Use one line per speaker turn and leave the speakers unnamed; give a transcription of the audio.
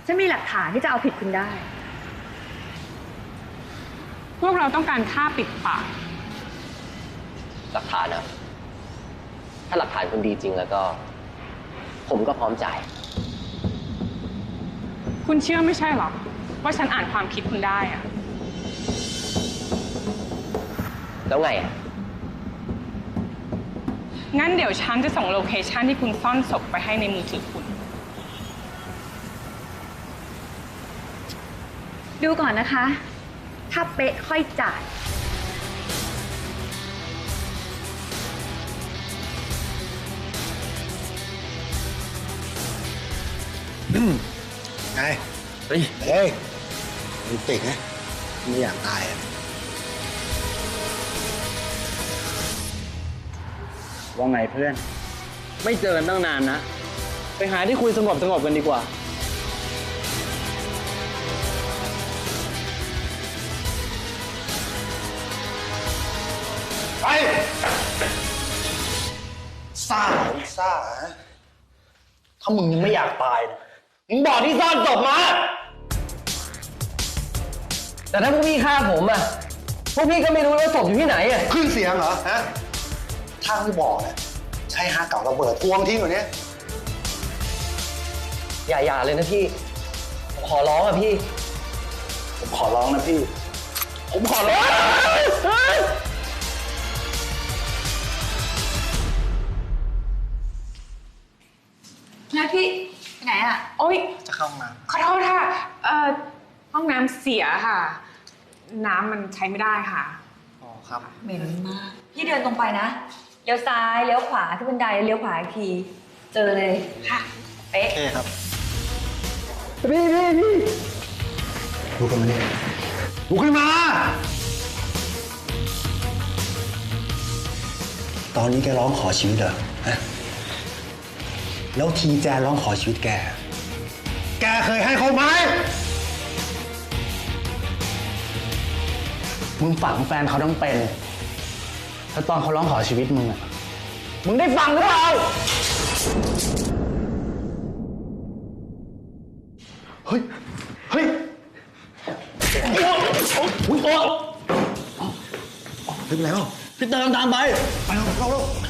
ฉันมีหลักฐานที่จะเอาผิดคุณได้
พวกเราต้องการค่าปิดปาก
หลักฐานนะถ้าหลักฐานคุณดีจริงแล้วก็ผมก็พร้อมจ่าย
คุณเชื่อไม่ใช่หรอว่าฉันอ่านความคิดคุณได้อะ
แล้วไงอ่ะ
งั้นเดี๋ยวฉันจะส่งโลเคชันที่คุณซ่อนศพไปให้ในมือถือคุณ
ดูก่อนนะคะ ถ้าเป๊ะค่อยจ่าย
ไงเฮ้ยมันติดนะไม่อยากตายอ่ะ
ว่าไงเพื่อนไม่เจอกันตั้งนานนะไปหาที่คุยสงบกันดีกว่า
ไปซ่าถ้ามึงยังไม่อยากตายนะมึงบอกที่ซ่อนศพมา
แต่ถ้าพวกพี่ฆ่าผมอ่ะพวกพี่ก็ไม่รู้ว่าศพอยู่ที่ไหนอ่ะ
ขึ้นเสียงเหรอฮะถ้าไม่บอกเนี่ยใช้ฮาเก่าระเบิดทวงทิ้งอยู่เนี้ย
อย่าเลยนะพี่ผมขอร้องอ่ะพี่
ผมขอร้องนะพี่ผมขอร้อง
แล้วพี่ไปไหนอ่ะ
โอ๊ย
จะเข้ามา
ขอโทษค่ะห้องน้ำเสียค่ะน้ำมันใช้ไม่ได้ค่ะ
อ๋อครับ
เหม็นมากพี่เดินตรงไปนะเลี้ยวซ้ายเลี้ยวขวาที่บันไดเลี้ยวขวาอีกทีเจอเลยค่ะเป๊ะ
โอเคครับ
พี่
ลุกขึ้นมาดิลุกขึ้นมาตอนนี้แกร้องขอชีวิตเหรอฮะแล้วทีแจนร้องขอชีวิตแกเคยให้เขาไหม
มึงฝังแฟนเขาต้องเป็นแล้วตอนเขาร้องขอชีวิตมึงอ่ะมึงได้ฟังหรือเปล่า
เฮ้ยไม่เป็นไรหรอ
พี่เติมตามไป
ไปเรา